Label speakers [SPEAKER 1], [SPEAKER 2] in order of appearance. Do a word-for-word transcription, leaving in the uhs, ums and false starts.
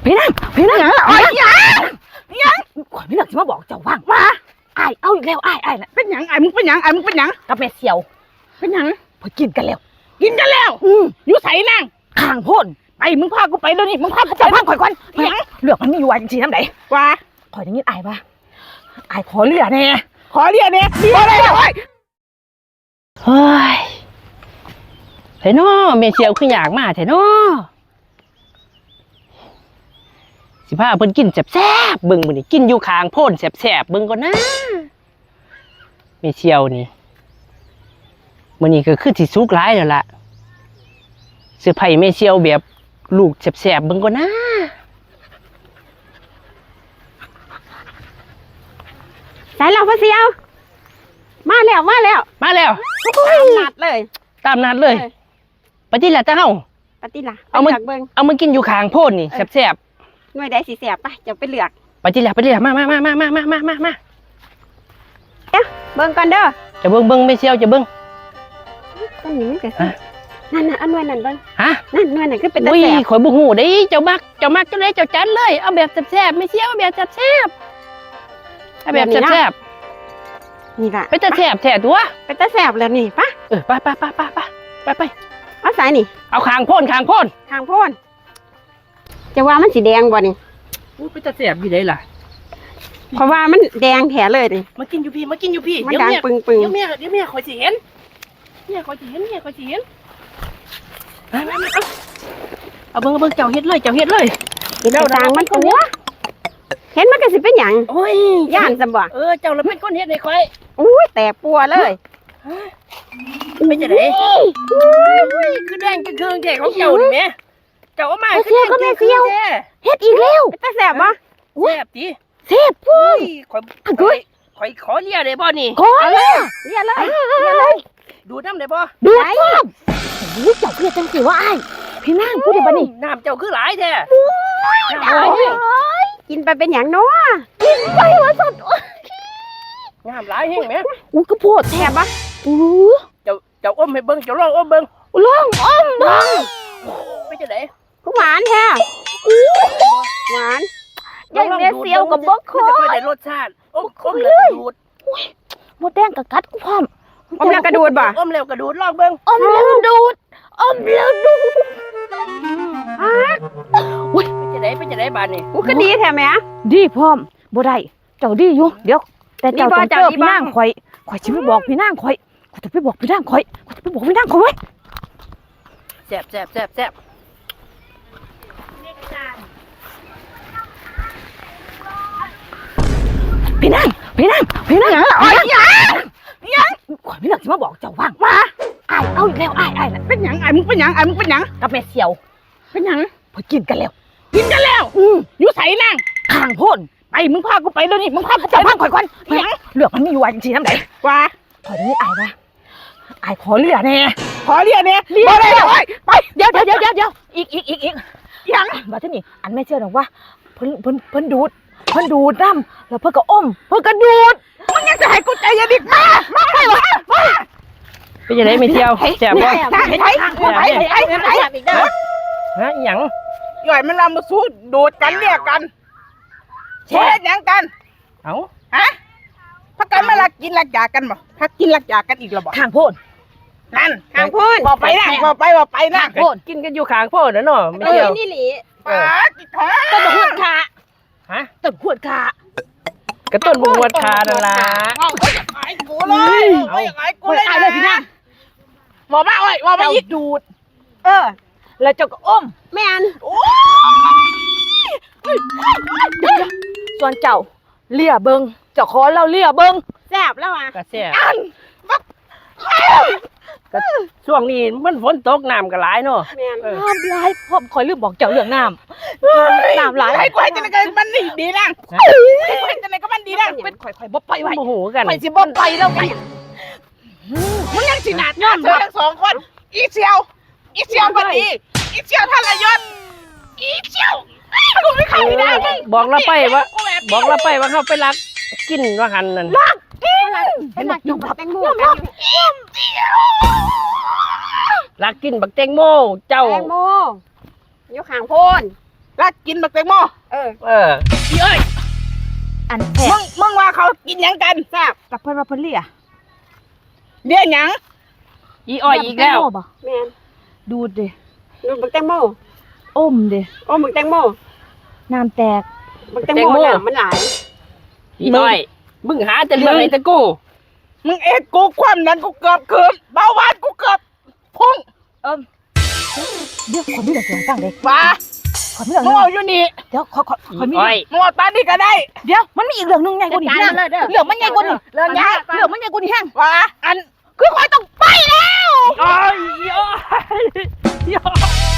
[SPEAKER 1] พี่นั่งพี่นั่งอ๋อยังยังข่อยพี่นั่งจะมาบอกเจ้าว่างมาไอ้เอาอีกแล้วไอ้ไอ้น่ะเป็นหยังไอ้มึงเป็นหยังไอ้มึงเป็นหยังกับแม่เสี่ยวเป็นหยังพอกินกันแล้วกินกันแล้วอืมอยู่ใส่นั่งข้างพ่นไปมึงพากูไปเดี๋ยวนี้มึงพากูไปพังข่อยก่อนหยังเลือกมันมีอยู่วันจริงๆน้ำไหนว่าข่อยอย่างนี้ไอ้ปะไอ้ขอเลือแน่ขอเลือแน่เลือเลยเฮ้ยเฮ้ยเถอะน้อแม่เสี่ยวคืออยากมาเถอะน้อสิพาเพิ่นกินแซ่บๆเบิ่งมื้อนี้กินอยู่ข้างโพ่นแซ่บๆเบิ่งก่อนนะแม่เสี่ยวนี่มื้อนี้ก็คือสิสุกหลายแล้วล่ะเสื้อผ้าแม่เสี่ยวแบบลูกแซ่บๆเบิ่งก่อนนะใส่แล้วพ่อเสี่ยวมาแล้วมาแล้วมาแล้วตามนัดเลยตามนัดเลยปฏิล่ะเจ้าปฏิล่ะเอามาเอามากินอยู่ข้างโพ่นนี่แซ่บหน่วยได้สีแสบปะจะไปเลือกไปที่แหละไปที่แหละมามามามามามามามามาเดี๋ยวเบิ้งกันเด้อจะเบิ้งเบิ้งไม่เชี่ยวจะเบิ้งต้นนี้มันเกิดนั่นน่ะอันหน่วยนั่นเบิ้งฮะนั่นหน่วยนั่นก็เป็นตะแสบข่อยบุหูได้เจ้ามักเจ้ามักเจ้าเลยเจ้าจันเลยเอาแบบแสบไม่เชี่ยวแบบแสบเอาแบบแสบนี่ละไปตะแสบแสบตัวไปตะแสบแล้วนี่ปะเออไปไปไปไปไปไปไปเอาสายนี่เอาคางพ่นคางพ่นคางพ่นจะว่ามันสีแดงบ่นี่อู้ไปตะเสียบอยู่ได้ล่ะเพราะว่ามันแดงแถเลยดิมากินอยู่พี่มากินอยู่พี่มันดังปึงปึงเดี๋ยวเมียเดี๋ยวเมียคอยสิเห็นเมียคอยสิเห็นเมียคอยสิเห็นมามามาเอาเบิ้งเอาเบิ้งเจ้าเฮ็ดเลยเจ้าเฮ็ดเลยเจ้าดังมันตัวเห็นมันก็สิเป็นหยังโอ้ยย่านจะบ่เออเจ้าเราเป็นคนเฮ็ดให้คอยอุ้ยแตกปัวเลยไม่จะได้คือแดงคือเครื่องแท้ของเจ้านี่แม่เจ้ามาเสียวก็แม่เสียวเฮ็ดอีกแล้วแต่แสบปะแสบดิแสบพุ่งข่อยข่อยข่อยขอเลียได้บ่นี่ขอเลยเลียเลยเลียเลยดูน้ำได้บ่ดูน้ำโอ้ยเจ้าคือจังสิว่าไอ้พี่นางพูดได้บ่นี่น้ำเจ้าคือหลายแท้กินไปเป็นอย่างน้อกินไปว่าสดน้ำหลายแห้งไหมอู้ก็โพดแสบปะอู้เจ้าเจ้าอมให้เบิ้งเจ้าลองอมเบิ้งลองอมเบิ้งไม่จะได้หวานแท้หวานยังเนื้อเซียวกับบกคอจะได้รสชาติอมอมแล้วกระดูดหมดแดงกับกัดกูพร้อมอมแล้วกระดูดบ่อมแล้วกระดูดลองเบิ้งอมแล้วดูดอมแล้วดูดฮะอุ้ยไปจะได้ไปจะได้บานนี่กูก็ดีแท้ไหมดีพร้อมบ่ได้เจ้าดีอยู่เดี๋ยวแต่เจ้าต้องเจอพี่นางข่อยข่อยจะไปบอกพี่นางข่อยข่อยจะไปบอกพี่นางข่อยข่อยจะไปบอกพี่นางข่อยไว้แซ่บแซ่บแซ่บแซ่บพี่นั่งพี่นั่งพี่นั่งอ๋อยังยังข่อยพี่นั่งจะมาบอกเจ้าว่างมาไอ้เอาอีกแล้วไอ้ไอ้น่ะเป็นหยังไอ้มึงเป็นหยังไอ้มึงเป็นหยังกับแม่เสี่ยวเป็นหยังพอกินกันแล้วกินกันแล้วอืมอยู่ใส่นั่งข้างพ่นไปมึงพากูไปเดี๋ยวนี้มึงพากูไปพังข่อยก่อนหยังเลือกมันมีอยู่วันจริงๆน้ำไหนว่าข่อยนี่ไอ้ปะไอ้ขอเลือแน่ขอเลือแน่เลือแน่ไปเดี๋ยวเดี๋ยวเดี๋ยวเดี๋ยวอีกอีกอีกอีกยังมาที่นี่อันไม่เชื่อหรอกว่าเพิ่นเพิ่นเพิ่นดูดเพิ่นดูดน้ำแล้วเพิ่นก็อมเพิ่นก็ดูดมึงยังจะให้กูใจยันอีกมามาไปวะมาไปจะได้ไม่เที่ยวแซ่บบ่ไปไปไปไปไปอีกเด้อฮะหยังย่อยมันนำมาสู้ดูดกันเรียกกันเช็ดยังกันเอ้าฮะพักกันมาลักกินลักยากันบ่พักกินลักยากันอีกแล้วบ่ข้างโพดนั่นข้างโพดบอกไปนะบอกไปบอกไปนะโพดกินกันอยู่ข้างโพดนะเนาะไม่เที่ยวนี่หลีป้าจิตขาต้นบวชขาฮะต้นบวชขากระต้นบวชขานั่นล่ะเอาไอ้กูเลยเอาไอ้กูเลยเลยพี่นะหมอบ้าไอ้หมอบ้ายิดดูดเออแล้วเจ้าก็อมแม่นส่วนเจ้าเลี่ยเบิงเจ้าขอเราเลี่ยเบิงแซ่บแล้วอ่ะก็แซ่บก็ช่วงนี้มันฝนตกน้ำก็หลายเนาะน้ำหลายพ่อคอยลืมบอกเจ้าเรื่องน้ำน้ำหลายให้คอยจะไหนกันมันดีดีนะให้คอยจะไหนก็มันดีนะเป็นคอยคอยบ่ไปไว้โมโหกันคอยสิบ่ไปแล้วไงมึงยังสินาดย้อนเธอทั้งสองคนอีเชียวอีเชียวพอดีอีเชียวท่านละยศอีเชียวกูไม่เข้าไม่ได้บอกเราไปว่าบอกเราไปว่าเขาไปรักกินว่าหันนั่นรักกินเห็นไหมยอมรับแตงโมรักกินบักแตงโมเจ้าแตงโมอยู่ข้างโพน
[SPEAKER 2] รักกินบักแตงโมเออ
[SPEAKER 1] เอออีอ้อย
[SPEAKER 2] อันแมึงมึงว่าเขากินหยังกันแซ่บกับเพิ่นว่าเพิ่นเลียเลียหยัง
[SPEAKER 1] อีอ้อยอีกแล้ว
[SPEAKER 2] แม่นดูดดิดูดบักแตงโมอมดิอมบักแตงโมน้ำแตกบักแตงโมน่ะมันหลาย
[SPEAKER 1] อีอ้อยมึงหาแต่เรื่องไอ้ตะกู
[SPEAKER 2] มึงเอ็ดกูความนั้นกูเกือบเกินเบาหวานกูเกือบพุ่งเอิมเดี๋ยวคนนี้เดี๋ยวจะตั้งเลยว่าคนนี้เดี๋ยวมึงเอาอยู่นี่เดี๋ยวขอขอคนนี้มึงเอาตานี่ก็ได้เดี๋ยวมันมีอีกเรื่องนึงไงกูนี่เรื่องมันไงกูนี่เรื่องใหญ่เรื่องมันไงกูนี่แห้งว่าอันคือคอยต้องไปแล้ว
[SPEAKER 1] อ้อยอ้อย